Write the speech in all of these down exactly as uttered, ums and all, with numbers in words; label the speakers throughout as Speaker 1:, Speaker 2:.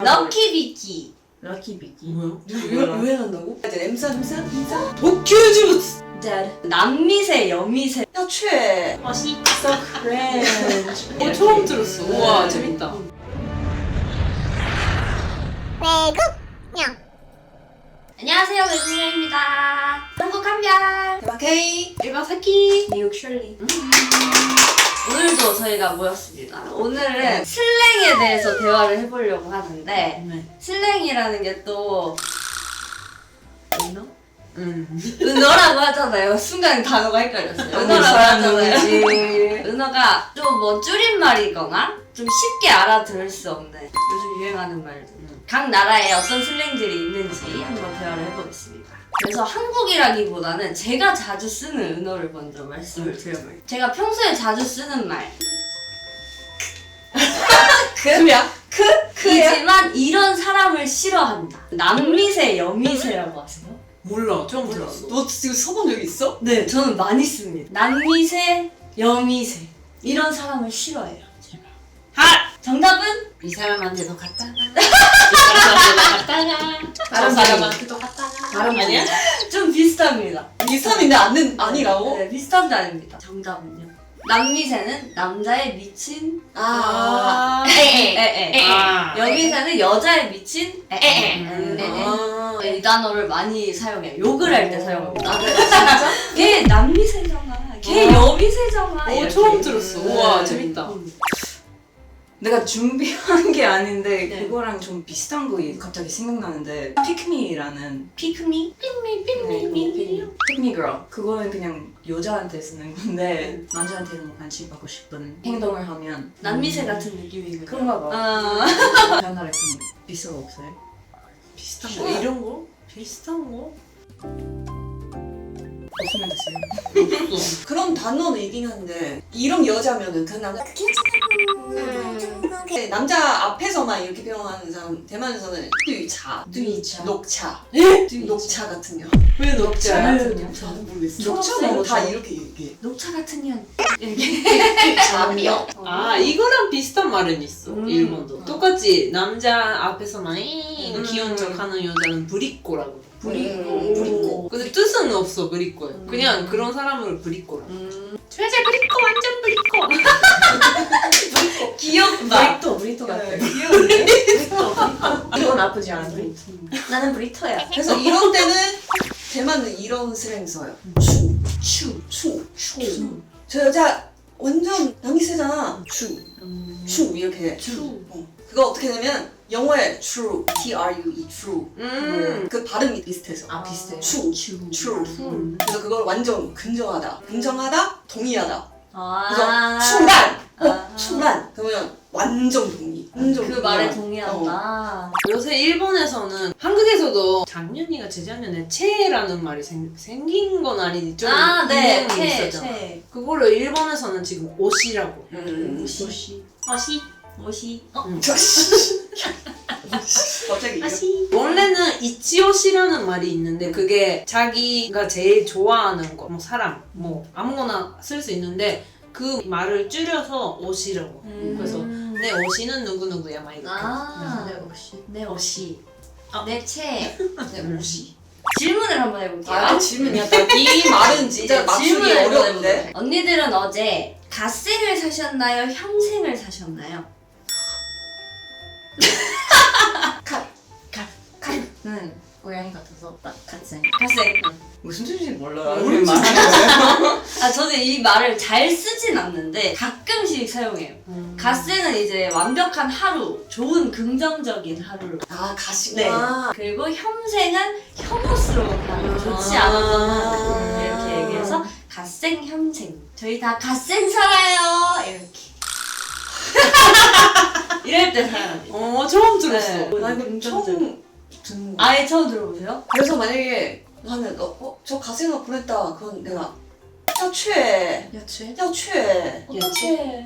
Speaker 1: 럭키비키.
Speaker 2: 럭키비키.
Speaker 3: 뭐야?
Speaker 2: 왜,
Speaker 3: 왜 한다고?
Speaker 2: 이제 엠사 엠사 엠사.
Speaker 3: 도쿄주부스.
Speaker 1: Dead. 남미세, 여미세.
Speaker 2: 야 최.
Speaker 1: 어, 시.
Speaker 2: So cringe.
Speaker 3: 어 처음 들었어. 우와
Speaker 2: 네.
Speaker 3: 재밌다.
Speaker 1: 안녕하세요, 외국인입니다. 한국 한별.
Speaker 2: 대박 K.
Speaker 3: 일반 사키.
Speaker 1: 미국 셜리. 오늘도 저희가 모였습니다. 오늘은 슬랭에 대해서 대화를 해보려고 하는데
Speaker 3: 네.
Speaker 1: 슬랭이라는 게 또 은어?
Speaker 3: 음.
Speaker 1: 은어라고 하잖아요. 순간 단어가 헷갈렸어요. 은어라고 하잖아요. 은어가 좀 뭐 줄임말이거나 좀 쉽게 알아들을 수 없는 요즘 유행하는 말들. 각 나라에 어떤 슬랭들이 있는지 한번 대화를 해보겠습니다. 그래서 한국이라기보다는 제가 자주 쓰는 은어를 먼저 말씀을 드려볼게요. 제가 평소에 자주 쓰는 말.
Speaker 2: 그야? 크? 크야?
Speaker 1: 이지만 이런 사람을 싫어한다. 남미세, 여미세라고 하세요?
Speaker 3: 몰라 처음 들었어.
Speaker 2: 너 지금 써본 적 있어?
Speaker 1: 네, 저는 많이 씁니다. 남미세, 여미세. 이런 사람을 싫어해요. 제가. 하! 정답은?
Speaker 3: 이 사람한테도 갖다가. 이 사람한테도 갖다가.
Speaker 2: 다른
Speaker 3: 저 사람한테도 갖다가.
Speaker 2: 다른
Speaker 3: 아니야?
Speaker 1: 좀 비슷합니다.
Speaker 2: 비슷한데 아는 아니라고?
Speaker 1: 네, 비슷한데 아닙니다. 정답은요. 남미세는 남자에 미친
Speaker 2: 아.
Speaker 1: 에에.
Speaker 3: 아.
Speaker 1: 여미세는 여자에 미친 에에.
Speaker 3: 음.
Speaker 2: 아.
Speaker 1: 이 단어를 많이 사용해요. 욕을 할 때
Speaker 2: 어.
Speaker 1: 사용합니다.
Speaker 2: 아, 진짜?
Speaker 1: 걔 남미세잖아. 걔
Speaker 2: 어.
Speaker 1: 여미세잖아.
Speaker 3: 오
Speaker 1: 이렇게.
Speaker 3: 처음 들었어. 우와
Speaker 2: 네.
Speaker 3: 재밌다.
Speaker 2: 내가 준비한 게 아닌데
Speaker 1: 네.
Speaker 2: 그거랑 좀 비슷한 거 갑자기 생각나는데 픽미라는
Speaker 1: 피크미? pik미 pik미
Speaker 2: 픽미 girl 그거는 그냥 여자한테 쓰는 건데 남자한테는 뭐 관심 받고 싶은 행동을 하면
Speaker 1: 남미세 같은 느낌이군요.
Speaker 2: 그런가 봐.
Speaker 1: 아.
Speaker 2: 다른 나라에 그런 거 비슷한 거 없어요?
Speaker 3: 비슷한 거 이런 거? 비슷한 거?
Speaker 2: 없으면 됐어요.
Speaker 3: 없어.
Speaker 2: 그런 단어는 있긴 한데 이런 여자면은 그 남자 그 남자 앞에서만 이렇게 표현하는 사람 대만에서는 뚜이차,
Speaker 1: 뚜이차.
Speaker 2: 녹차,
Speaker 1: 에?
Speaker 2: 녹차 같은 년.
Speaker 3: 왜 녹차?
Speaker 1: 왜
Speaker 2: 녹차 모르겠어.
Speaker 1: 녹차
Speaker 2: 녹차 뭐 다
Speaker 1: 녹차.
Speaker 2: 이렇게 얘기해.
Speaker 1: 녹차 같은 년. 이렇게.
Speaker 2: 뚜이차며.
Speaker 3: 아 이거랑 비슷한 말은 있어.
Speaker 1: 음.
Speaker 3: 일본도 똑같이 남자 앞에서만 이
Speaker 2: 음.
Speaker 3: 귀여운 척하는 여자는 부리꼬라고.
Speaker 2: 부리꼬. 부리꼬.
Speaker 3: 근데 뜻은 없어 부리꼬에.
Speaker 1: 음.
Speaker 3: 그냥 그런 사람을 부리꼬라.
Speaker 1: 음.
Speaker 3: 최재 부리꼬 완전 부리꼬.
Speaker 1: 귀엽다.
Speaker 2: 브리토 브리토 같아.
Speaker 1: 귀여운데?
Speaker 2: 이건 나쁘지 않은데.
Speaker 1: 나는 브리토야.
Speaker 2: 그래서 이런 때는 대만은 이런 스랭 써요. 추, 추, 추, 추. 저 여자 완전 남이세잖아. 추, 추 이렇게.
Speaker 1: 추.
Speaker 2: 어. 그거 어떻게 되면 영어에 true, T R U E, true.
Speaker 3: 음.
Speaker 2: 그 발음이 비슷해서.
Speaker 1: 아, 비슷해요?
Speaker 2: 추,
Speaker 1: 추.
Speaker 2: true.
Speaker 1: 음.
Speaker 2: 그래서 그걸 완전 긍정하다, 긍정하다, 동의하다.
Speaker 1: 아.
Speaker 2: 그래서 추란, 어,
Speaker 1: 아.
Speaker 2: 추란. 그러면 완전 동의. 완전
Speaker 1: 그 말에
Speaker 2: 동의하다. 어.
Speaker 1: 동의한다.
Speaker 3: 요새 일본에서는 한국에서도 작년이가 재작년에 체라는 말이 생, 생긴 건 아니지 좀
Speaker 1: 아, 네.
Speaker 3: 유행이
Speaker 1: 채,
Speaker 3: 있었잖아.
Speaker 1: 채.
Speaker 3: 그거를 일본에서는 지금 옷이라고.
Speaker 2: 음.
Speaker 1: 옷이. 옷이. 옷이. 어?
Speaker 3: 음.
Speaker 2: 갑자기.
Speaker 1: 옷이.
Speaker 3: 원래는 이치오시라는 말이 있는데 그게 자기가 제일 좋아하는 거, 뭐 사람, 뭐 아무거나 쓸 수 있는데 그 말을 줄여서 옷이라고.
Speaker 1: 음.
Speaker 3: 그래서 내 옷이는 누구누구야 막 이렇게.
Speaker 1: 아.
Speaker 2: 내 옷이.
Speaker 1: 내 옷이.
Speaker 3: 어.
Speaker 1: 내 채.
Speaker 2: 내 옷이.
Speaker 1: 질문을 한번 해볼게요.
Speaker 2: 아, 질문이야. 이 말은 진짜
Speaker 1: 네,
Speaker 2: 맞추기
Speaker 1: 질문을 한번
Speaker 2: 어려운데.
Speaker 1: 해보세요. 언니들은 어제 갓생을 사셨나요? 현생을 사셨나요?
Speaker 2: 응. 고양이 같아서 딱 같이.
Speaker 1: 갓생.
Speaker 2: 무슨 뜻인지 몰라.
Speaker 3: 모르지.
Speaker 1: 아 저는 이 말을 잘 쓰진 않는데 가끔씩 사용해요.
Speaker 3: 음.
Speaker 1: 갓생은 이제 완벽한 하루, 좋은 긍정적인 하루.
Speaker 2: 아, 가시.
Speaker 1: 네.
Speaker 2: 아.
Speaker 1: 그리고 현생은 혐오스러운 하루, 좋지 않았던 하루 이렇게 얘기해서 갓생, 현생. 저희 다 갓생 살아요. 이렇게. 이럴 때 사용합니다.
Speaker 3: 어 처음 들었어.
Speaker 1: 네.
Speaker 2: 나 이거
Speaker 1: 긍정적.
Speaker 2: 처음 듣는 거.
Speaker 1: 아예 처음 들어보세요?
Speaker 2: 그래서 만약에 나는 어, 어, 저 가생을 보냈다. 그건 내가 야취해.
Speaker 1: 여추해?
Speaker 2: 야취해.
Speaker 1: 어떡해.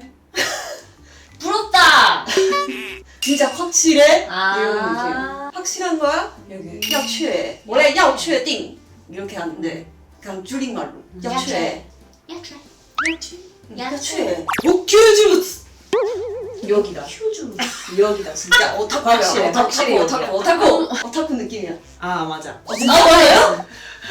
Speaker 1: 부럽다!
Speaker 2: 진짜 확실해?
Speaker 1: 아.
Speaker 2: 이런 느낌. 확실한 거야? 이렇게. 야취해. 원래 야취해定 이렇게 하는데 그냥 줄임말로 야취해.
Speaker 1: 야추해. 야추. 야추.
Speaker 2: 야취해.
Speaker 3: 도쿄주부스.
Speaker 2: 여기다.
Speaker 1: 휴주.
Speaker 2: 여기다. 진짜 오타쿠야.
Speaker 3: 확실해,
Speaker 2: 오타쿠,
Speaker 3: 확실히
Speaker 2: 오타쿠,
Speaker 3: 여기야.
Speaker 2: 오타쿠. 오타쿠 느낌이야.
Speaker 3: 아 맞아.
Speaker 2: 어, 진짜 뭐예요?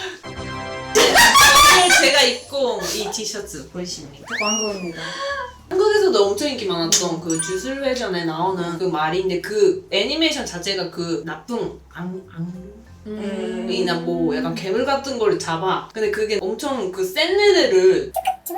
Speaker 3: 제가 입고 온 이 티셔츠 보이십니까?
Speaker 2: 광고입니다.
Speaker 3: 한국에서도 엄청 인기 많았던 그 주술회전에 나오는 그 말인데 그 애니메이션 자체가 그 나쁜 악,
Speaker 2: 음.
Speaker 3: 악이나 뭐 약간 괴물 같은 걸 잡아. 근데 그게 엄청 그 센 애들을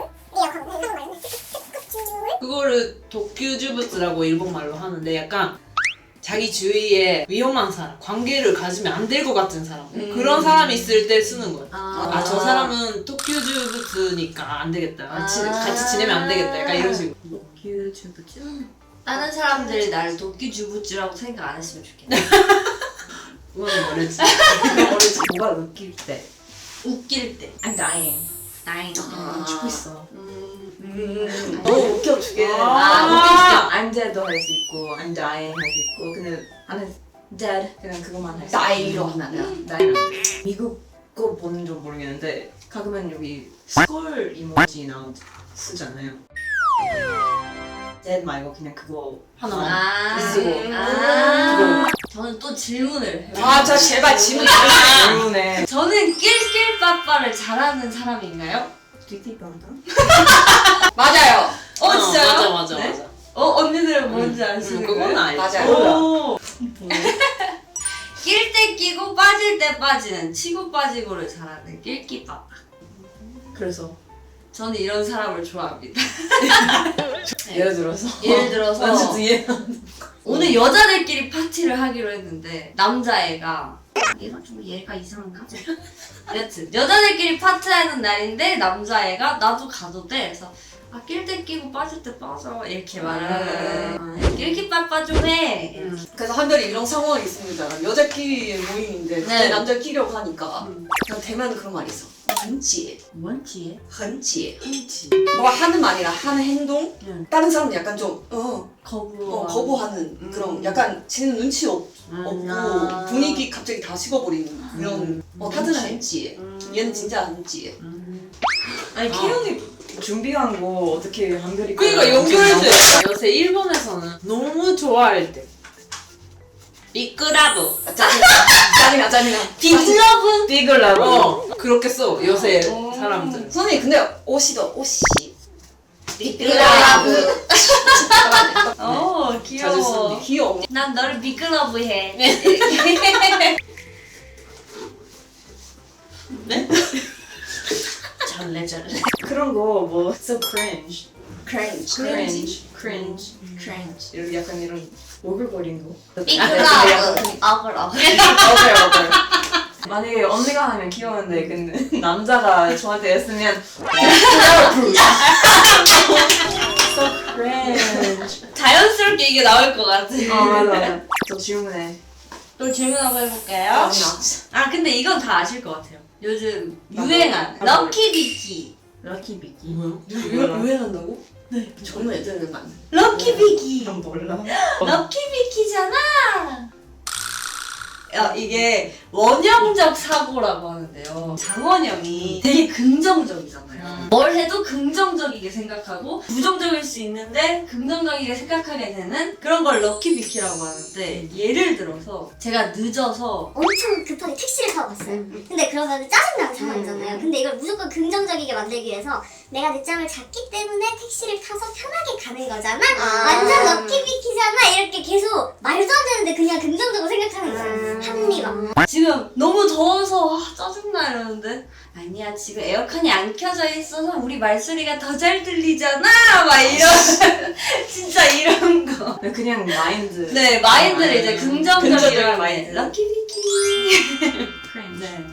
Speaker 3: 그거를 도쿄주부츠라고 일본말로 하는데 약간 자기 주위에 위험한 사람, 관계를 가지면 안 될 것 같은 사람
Speaker 2: 음.
Speaker 3: 그런 사람이 있을 때 쓰는 거야.
Speaker 1: 아,
Speaker 3: 아 저 사람은 도쿄주부츠니까 안 되겠다. 같이,
Speaker 1: 아.
Speaker 3: 같이 지내면 안 되겠다. 약간 이런 식으로.
Speaker 2: 도쿄주부츠?
Speaker 1: 다른 사람들이 나를 도끼주부찌라고 생각 안 했으면 좋겠네.
Speaker 3: 그건 모르지.
Speaker 2: 어리지. 뭐가 웃길 때.
Speaker 1: 웃길 때.
Speaker 2: I'm dying.
Speaker 1: 나인.
Speaker 2: 아.
Speaker 1: 죽고 있어.
Speaker 2: 음. 너무 웃겨주게.
Speaker 3: 아.
Speaker 4: I'm dead도 할 수 있고 I'm dying 할 수 있고 근데 나는 dead 그냥 그것만 할 수 있고
Speaker 2: 나이로 하면.
Speaker 4: 나이는 안 돼. 미국 거 보는 줄 모르겠는데 가끔은 여기 스콜 이모지나 쓰잖아요. dead 말고 그냥 그거 하나만
Speaker 1: 아.
Speaker 4: 쓰고
Speaker 1: 아. 저는 또 질문을 해요.
Speaker 2: 아, 저 제발 질문
Speaker 4: 때문에
Speaker 1: 저는 낄낄빠빠를 잘하는 사람인가요?
Speaker 4: 띠띠빵다
Speaker 2: 맞아요.
Speaker 1: 어, 진짜요?
Speaker 3: 맞아 맞아
Speaker 2: 네?
Speaker 3: 맞아.
Speaker 1: 어, 언니들은 뭔지 아시는
Speaker 3: 음, 그건
Speaker 1: 거예요?
Speaker 3: 알지.
Speaker 2: 맞아요.
Speaker 3: 오.
Speaker 1: 낄 때 끼고 빠질 때 빠지는 치고 빠지고를 잘하는 낄끼빠빠.
Speaker 4: 그래서
Speaker 1: 저는 이런 사람을 좋아합니다.
Speaker 4: 예를 들어서
Speaker 1: 예를 들어서
Speaker 4: 완전 이해
Speaker 1: 오늘 여자들끼리 파티를 하기로 했는데 남자애가 얘가 좀 얘가 이상한가? 여튼 여자들끼리 파티하는 날인데 남자애가 나도 가도 돼. 그래서 아 낄 때 끼고 빠질 때 빠져 이렇게 말을 하는 낄끼빠빠 좀 해.
Speaker 3: 음.
Speaker 2: 그래서 한별이 이런 상황이 있습니다. 여자끼리 모임인데
Speaker 1: 네.
Speaker 2: 네. 남자끼리라고 하니까
Speaker 3: 음.
Speaker 2: 그냥 대만은 그런 말이 있어. 很解,
Speaker 1: 뭔 지혜?
Speaker 2: 很解.
Speaker 3: 그렇지.
Speaker 2: 뭐가 하는 말이나 하는 행동
Speaker 1: 응.
Speaker 2: 다른 사람은 약간 좀 어,
Speaker 1: 거부.
Speaker 2: 어, 거부하는 그런 약간 지는 눈치 없, 없고
Speaker 1: 아.
Speaker 2: 분위기 갑자기 다 식어버리는 그런
Speaker 3: 음.
Speaker 2: 어, 다들 한지 얘는 진짜 한지
Speaker 4: 아니 케ion이 준비한 거 어떻게 한별이
Speaker 3: 그러니까 연결돼. 요새 일본에서는 너무 좋아할 때. 비크라브.
Speaker 2: 짜증나 짜증나 짜증나
Speaker 1: 빅러브.
Speaker 4: 띠글라고
Speaker 3: 어 그렇게 써 요새
Speaker 1: 어.
Speaker 3: 사람들.
Speaker 2: 선생님 근데 옷이도 옷이
Speaker 1: 빅러브. 어
Speaker 3: 자주
Speaker 1: 귀여워.
Speaker 3: 쓰니.
Speaker 2: 귀여워
Speaker 1: 난 너를 빅러브 해. 잘래 잘래.
Speaker 4: 그런 거뭐 so cringe
Speaker 2: cringe
Speaker 4: cringe cringe cringe 이런 약간 이런 오글거리는 거
Speaker 1: 빅러브. 어글 어글.
Speaker 4: 어글 어글 만약에 언니가 하면 귀여운데 근데 남자가 저한테 했으면 so cringe
Speaker 1: 자연스럽게 이게 나올 것 같아.
Speaker 4: 어 맞아 맞아 저 질문해
Speaker 1: 또 질문 한번 해볼게요. 아 근데 이건 다 아실 것 같아요. 요즘 유행한
Speaker 4: 나도.
Speaker 1: 럭키비키.
Speaker 4: 럭키 비키
Speaker 3: 뭐야?
Speaker 2: 유행한다고? 네 정말 애들은 많네
Speaker 1: 럭키비키.
Speaker 4: 난 몰라
Speaker 1: 럭키비키잖아. 야, 이게 원형적 사고라고 하는데요. 장원영이 되게 긍정적이잖아요.
Speaker 3: 음.
Speaker 1: 뭘 해도 긍정적이게 생각하고 부정적일 수 있는데 긍정적이게 생각하게 되는 그런 걸 럭키비키라고 하는데 예를 들어서 제가 늦어서
Speaker 5: 엄청 급하게 택시를 타고 갔어요. 근데 그러면 짜증나는 상황이잖아요. 근데 이걸 무조건 긍정적이게 만들기 위해서 내가 늦잠을 잤기 때문에 택시를 타서 편하게 가는 거잖아?
Speaker 1: 아.
Speaker 5: 완전 럭키비키잖아? 이렇게 계속 말도 안 되는데 그냥 긍정적으로 생각하는 거예요. 합리화.
Speaker 1: 지금 너무 더워서 아, 짜증나 이러는데 아니야 지금 에어컨이 안 켜져 있어서 우리 말소리가 더 잘 들리잖아 막 이런 진짜 이런 거.
Speaker 4: 그냥 마인드
Speaker 1: 네 마인드를
Speaker 4: 아,
Speaker 1: 이제 긍정적이라고
Speaker 4: 긍정적인
Speaker 1: 해.
Speaker 4: 마인드.
Speaker 1: 럭키비키.
Speaker 4: cringe
Speaker 1: 네.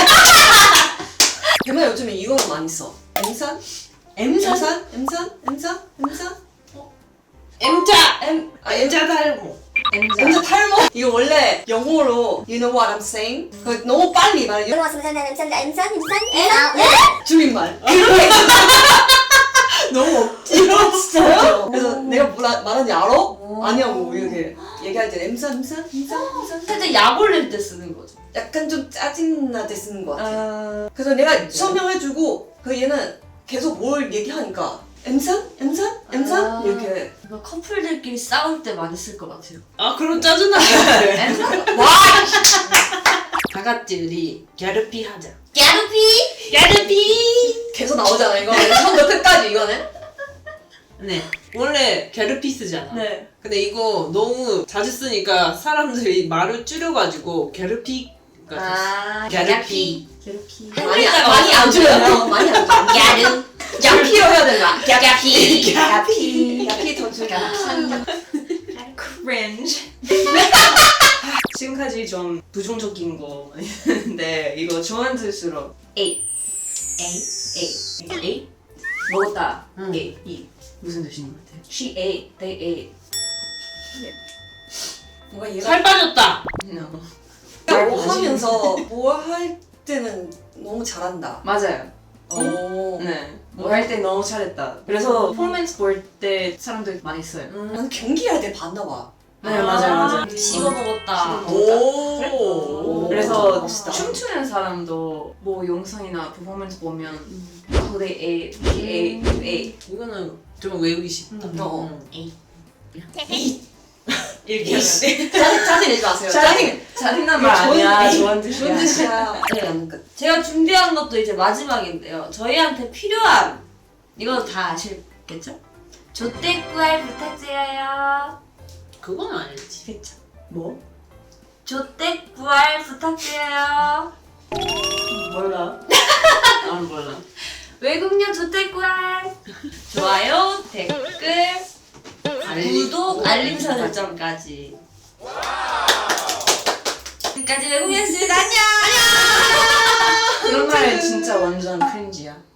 Speaker 2: 대만 요즘에 이거는 많이 써 엠산?
Speaker 1: M산?
Speaker 2: 엠산? 엠산? 엠산? 엠산?
Speaker 3: M자
Speaker 2: 엠, 아,
Speaker 3: M자 닮고.
Speaker 2: 엠자 탈모? 이거 원래 영어로 You know what I'm saying? 그 너무 빨리 말해
Speaker 5: 이거 왔으면 저는 엠산, 엠산, 엠산, 엠산,
Speaker 2: 줄임말 그렇게
Speaker 3: 너무 없.
Speaker 2: 이거 진짜요? 그래서 내가 뭐라 말하는지 알아? 아니야고 이렇게 얘기할 때 엠산 엠산 엠산 엠산
Speaker 1: 살짝 약 올릴 때 쓰는 거죠.
Speaker 2: 약간 좀 짜증날 때 쓰는 것 같아
Speaker 1: 아...
Speaker 2: 그래서 내가 설명해주고 그 얘는 계속 뭘 얘기하니까 엠산? 엠산? 엠산?
Speaker 1: 아.
Speaker 2: 이렇게.
Speaker 1: 이거 커플들끼리 싸울 때 많이 쓸 것 같아요.
Speaker 3: 아 그럼 짜증나게.
Speaker 1: 엠산? 와!
Speaker 3: 다 같이 우리 갸르피 하자.
Speaker 1: 야루피!
Speaker 3: 갸르피.
Speaker 2: 계속 나오잖아 이거. 처음부터 끝까지 이거는.
Speaker 3: 네. 원래 갸르피 쓰잖아.
Speaker 2: 네.
Speaker 3: 근데 이거 너무 자주 쓰니까 사람들이 말을 줄여가지고 갸르피가 됐어.
Speaker 1: 아,
Speaker 3: 갸르피.
Speaker 1: 야루피.
Speaker 2: 많이 안- 많이 안 줄여요. 많이 안 줄여.
Speaker 1: 야루.
Speaker 2: 야피로 해야 되나?
Speaker 1: 야피.
Speaker 2: 야피. 야피 더 줄여.
Speaker 4: cringe. 지금까지 좀 부정적인 거 있는데 이거 좋은 뜻으로
Speaker 1: 에이. 에이. 에이. 에이.
Speaker 2: 먹었다.
Speaker 3: 응.
Speaker 2: A, E.
Speaker 4: 무슨 뜻인 것 같아요?
Speaker 1: She ate. They ate.
Speaker 2: 뭔가 얘가
Speaker 3: 살 빠졌다.
Speaker 4: No.
Speaker 2: 뭐 하면서 뭐 할 때는 너무 잘한다.
Speaker 4: 맞아요.
Speaker 2: 오.
Speaker 4: 네. 뭐 할 때 너무 잘했다. 그래서 퍼포먼스 볼 때 사람들이 많이 써요.
Speaker 2: 난 경기할 때 봤나 봐.
Speaker 4: 네, 맞아요, 맞아요.
Speaker 1: 씹어 먹었다.
Speaker 3: 오.
Speaker 4: 그래서
Speaker 2: 멋있다.
Speaker 4: 춤추는 사람도 뭐 영상이나 퍼포먼스 보면 oh, they ate, he ate, you ate
Speaker 3: 이거는 좀 외우기 쉽다.
Speaker 2: 어.
Speaker 3: 응.
Speaker 4: 이렇게 하는데
Speaker 2: 짜증 짜증 내지 마세요.
Speaker 4: 짜증 짜증난 말 아니야. 좋은 뜻이야.
Speaker 2: 좋은 뜻이야.
Speaker 1: 네.
Speaker 2: 네. 끝.
Speaker 1: 제가 준비한 것도 이제 마지막인데요. 저희한테 필요한 이거 다 아시겠죠? 조떼꾸알 부탁드려요.
Speaker 3: 그건 아니지.
Speaker 1: 그쵸?
Speaker 4: 뭐?
Speaker 1: 조떼꾸알 부탁드려요.
Speaker 4: 몰라.
Speaker 3: 난 몰라.
Speaker 1: 외국녀 조떼꾸알. 좋아요, 댓글, 구독, 알림 설정까지. 지금까지 외국녀였습니다. 안녕.
Speaker 4: 그런 말 진짜 완전 크린지야.